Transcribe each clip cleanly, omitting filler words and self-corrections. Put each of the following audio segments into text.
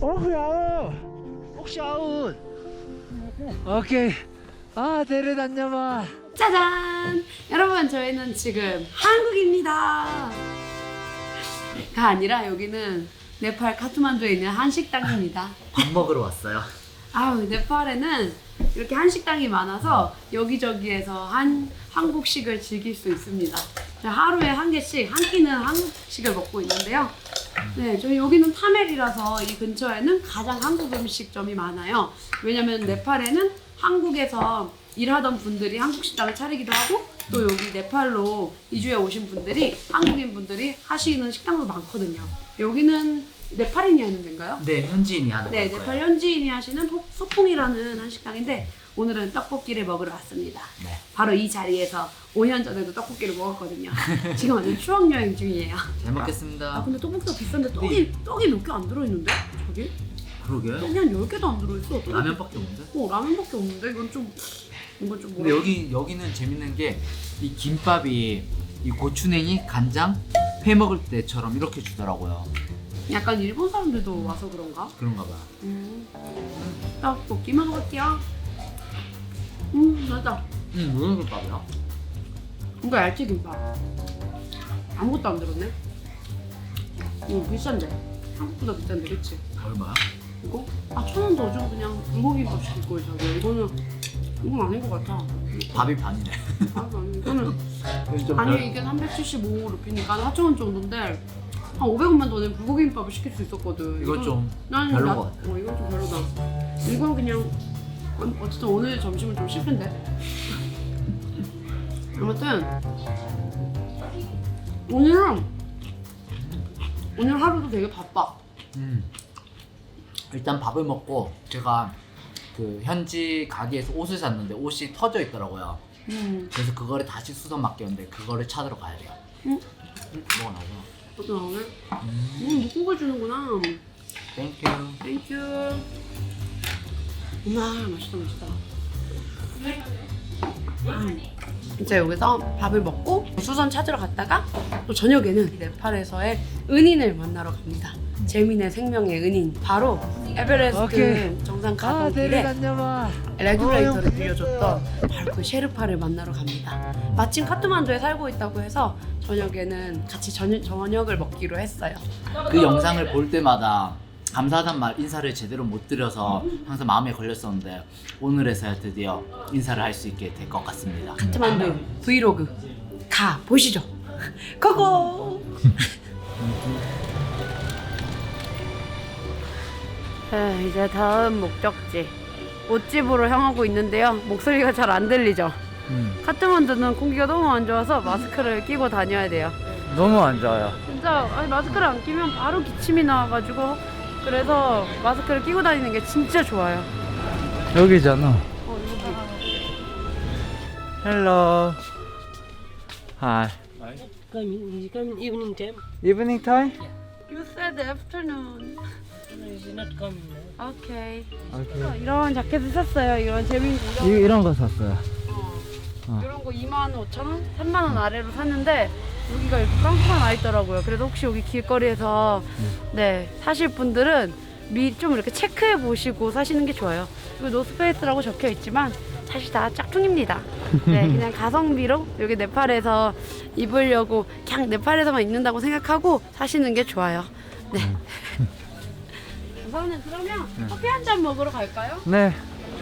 야우. 혹시 아웃. 오케이. 아, 데려다녀봐. 짜잔! 여러분, 저희는 지금 한국입니다. 가 아니라 여기는 네팔 카트만두에 있는 한식당입니다. 밥 먹으러 왔어요. 아우, 네팔에는 이렇게 한식당이 많아서 여기저기에서 한국식을 즐길 수 있습니다. 하루에 한 개씩, 한 끼는 한국식을 먹고 있는데요. 네, 저희 여기는 타멜이라서 이 근처에는 가장 한국 음식점이 많아요. 왜냐면 네팔에는 한국에서 일하던 분들이 한국 식당을 차리기도 하고 또 여기 네팔로 이주해 오신 분들이 한국인 분들이 하시는 식당도 많거든요. 여기는 네팔인이 하는 데인가요? 네, 현지인이 하는 네, 거고요. 네팔 현지인이 하시는 소풍이라는 한식당인데 오늘은 떡볶이를 먹으러 왔습니다. 네. 바로 이 자리에서 5년 전에도 떡볶이를 먹었거든요. 지금 완전 추억 여행 중이에요. 잘 먹겠습니다. 아 근데 떡볶이가 비싼데 떡이 몇 개 안 들어있는데? 저기? 그러게. 떡이 한 10개도 안 들어있어. 라면밖에 없는데? 라면밖에 없는데? 이건 좀 근데 뭐라 여기는 재밌는 게 이 김밥이 이 고추냉이, 간장, 회 먹을 때처럼 이렇게 주더라고요. 약간 일본 사람들도 와서 그런가? 그런가 봐. 떡볶이 먹어볼게요. 맞아. 무슨 김밥이야? 이거 얇지 김밥. 아무것도 안 들었네. 비싼데. 한국보다 비싼데, 그치? 얼마야? 이거? 1,000원 더 주고 그냥 불고기밥 시킬 거예요, 저기. 이건 아닌 것 같아. 밥이 반이네. 아니, 이거는. 좀 아니, 이게 375루피니까 4,000원 정도인데, 한 500원만 더 내면 불고기밥을 시킬 수 있었거든. 이건 좀 난 별론 것 같아. 이건 좀 별로다. 이건 그냥, 어쨌든 오늘 점심은 좀 실패인데. 아무튼, 오늘 하루도 되게 바빠. 일단 밥을 먹고 제가 그 현지 가게에서 옷을 샀는데 옷이 터져 있더라고요. 그래서 그거를 다시 수선 맡겼는데 그거를 찾으러 가야 돼요. 뭐가 나오나? 어떤 나오네? 묶고 주는구나. 땡큐. 땡큐. 맛있다. 이제 여기서 밥을 먹고 수선 찾으러 갔다가 또 저녁에는 네팔에서의 은인을 만나러 갑니다. 재민의 생명의 은인, 바로 에베레스트 오케이. 정상 아, 가던 길에 데려다녀봐. 레귤레이터를 빌려줬던 바로 그 셰르파를 만나러 갑니다. 마침 카트만두에 살고 있다고 해서 저녁에는 같이 저녁을 먹기로 했어요. 그 영상을 볼 때마다 감사하단 말 인사를 제대로 못 드려서 항상 마음에 걸렸었는데 오늘에서야 드디어 인사를 할 수 있게 될 것 같습니다. 카트만두 브이로그 가 보시죠. 고고. 이제 다음 목적지 옷집으로 향하고 있는데요. 목소리가 잘 안 들리죠? 카트만두는 공기가 너무 안 좋아서 마스크를 끼고 다녀야 돼요. 너무 안 좋아요. 진짜 마스크를 안 끼면 바로 기침이 나와가지고 그래서 마스크를 끼고 다니는 게 진짜 좋아요. 여기잖아. 여기. 헬로. Hi. You come in evening time. Evening time? You said afternoon. No, he's not coming. No? 오케이. 오케이. 이런 자켓을 샀어요. 이런 재밌는 이런 거 샀어요. 이런 거 25,000원? 3만원 아래로 샀는데 여기가 이렇게 깡패가 나 있더라고요. 그래서 혹시 여기 길거리에서 사실 분들은 좀 이렇게 체크해 보시고 사시는 게 좋아요. 그리고 노스페이스라고 적혀 있지만 사실 다 짝퉁입니다. 그냥 가성비로 여기 네팔에서 입으려고 그냥 네팔에서만 입는다고 생각하고 사시는 게 좋아요. 우선은 그러면 커피 한 잔 먹으러 갈까요? 네.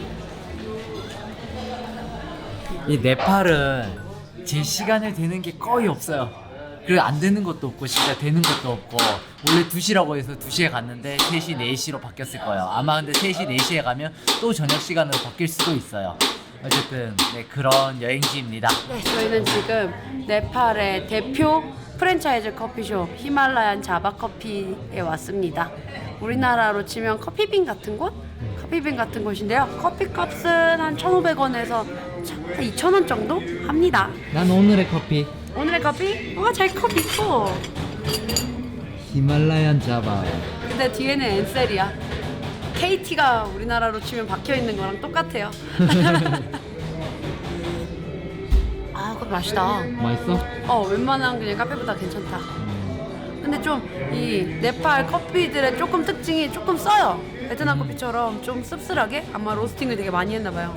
이 네팔은 제 시간에 되는 게 거의 없어요. 그리고 안 되는 것도 없고 진짜 되는 것도 없고 원래 2시라고 해서 2시에 갔는데 3시, 4시로 바뀌었을 거예요. 아마 근데 3시, 4시에 가면 또 저녁 시간으로 바뀔 수도 있어요. 어쨌든 그런 여행지입니다. 저희는 지금 네팔의 대표 프랜차이즈 커피숍 히말라얀 자바 커피에 왔습니다. 우리나라로 치면 커피빈 같은 곳? 커피빈 같은 곳인데요. 커피값은 한 1,500원에서 2,000원 정도 합니다. 난 오늘의 커피. 오늘의 커피? 잘 컵 있고. 히말라얀 자바. 근데 뒤에는 엔셀이야. KT가 우리나라로 치면 박혀 있는 거랑 똑같아요. 그거 맛있다. 맛있어? 웬만한 그냥 카페보다 괜찮다. 근데 좀 이 네팔 커피들의 조금 특징이 조금 써요. 베트남 커피처럼 좀 씁쓸하게 아마 로스팅을 되게 많이 했나 봐요.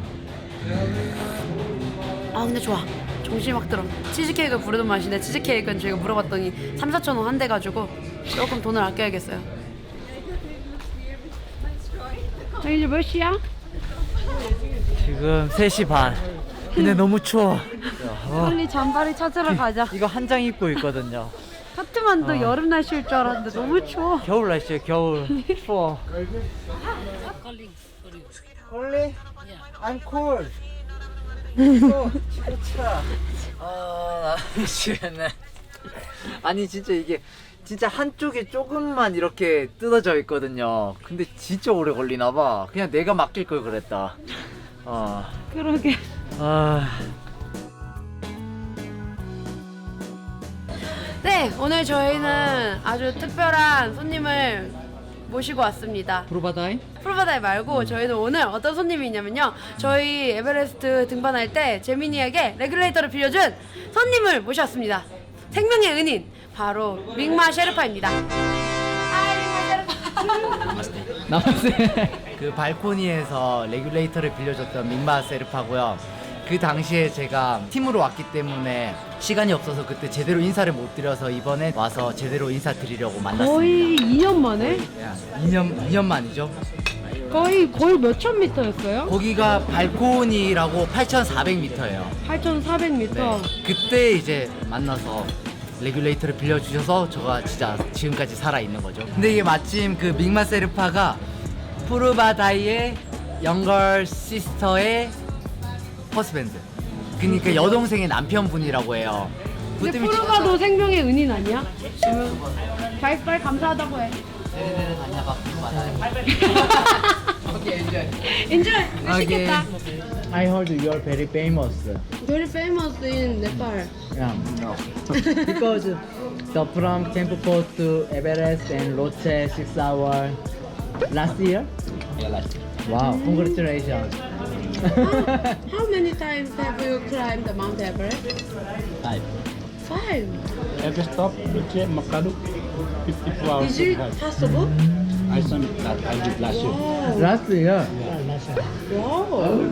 아 근데 좋아. 정신이 확 들어. 치즈케이크를 부르던 맛인데 치즈케이크는 저희가 물어봤더니 3-4천 원 한대 가지고 조금 돈을 아껴야겠어요. 이제 몇 시야? 지금 3시 반. 근데 너무 추워. 빨리 잠바를 찾으러 가자. 이거 한 장 입고 있거든요. 카트만두 여름 날씨일 줄 알았는데 너무 추워. 겨울 날씨에 겨울. 추워. Calling for you. Only? I'm cold. 미치겠네. 아니 진짜 이게 진짜 한쪽이 조금만 이렇게 뜯어져 있거든요. 근데 진짜 오래 걸리나 봐. 그냥 내가 맡길 걸 그랬다. 그러게. 네, 오늘 저희는 아주 특별한 손님을 모시고 왔습니다. 프로바다이? 프로바다이 말고 저희는 오늘 어떤 손님이 있냐면요. 저희 에베레스트 등반할 때 재민이에게 레귤레이터를 빌려준 손님을 모셨습니다. 생명의 은인, 바로 밍마 셰르파입니다. 나왔어요. 그 발코니에서 레귤레이터를 빌려줬던 밍마 세르파고요. 그 당시에 제가 팀으로 왔기 때문에 시간이 없어서 그때 제대로 인사를 못 드려서 이번에 와서 제대로 인사드리려고 만났습니다. 거의 2년 만에? 2년 만이죠. 거의 몇천 미터였어요? 거기가 발코니라고 8,400m예요. 8,400m. 그때 이제 만나서 레귤레이터를 빌려주셔서 제가 진짜 지금까지 살아있는 거죠. 근데 이게 마침 그 밍마 세르파가 푸르바다이의 영걸 시스터의 허스밴드, 그러니까 여동생의 남편분이라고 해요. 근데 프로바도 생명의 은인 아니야? 빨리 감사하다고 해. 네네네 다녀봐. 오케이 enjoy. Enjoy. 맛있겠다. I heard you are very famous. Very famous in Nepal. Yeah. No. Because the from Camp Post to Everest and Lhotse 6 hours last year. Yeah, last year. Wow, congratulations. How many times have you climbed the Mount Everest? 5. 5. Every stop, Luce, Makadu, 54 hours. Is it possible? I did last year. Oh. Last year. Wow.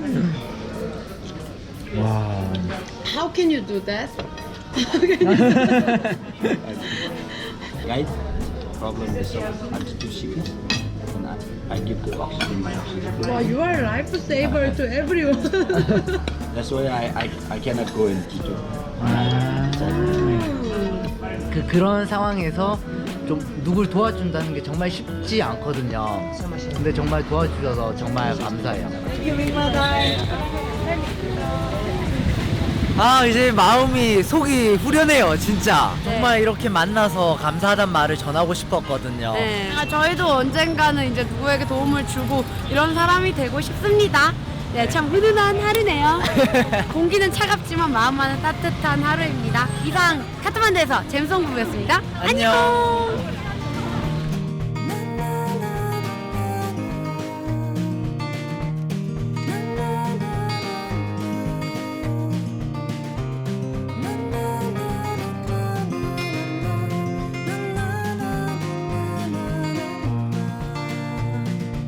Wow. How can you do that? Guide, problem is altitude and I give the oxygen. Wow, you are a lifesaver to everyone. That's why I cannot go in T2. 그런 상황에서 좀 누굴 도와준다는 게 정말 쉽지 않거든요. 근데 정말 도와주셔서 정말 감사해요. 아 이제 마음이 속이 후련해요 진짜. 네. 정말 이렇게 만나서 감사하단 말을 전하고 싶었거든요. 네. 저희도 언젠가는 이제 누구에게 도움을 주고 이런 사람이 되고 싶습니다. 네, 참 훈훈한 하루네요. 공기는 차갑지만 마음만은 따뜻한 하루입니다. 이상 카트만두에서 잼송 부부였습니다. 안녕. 안녕.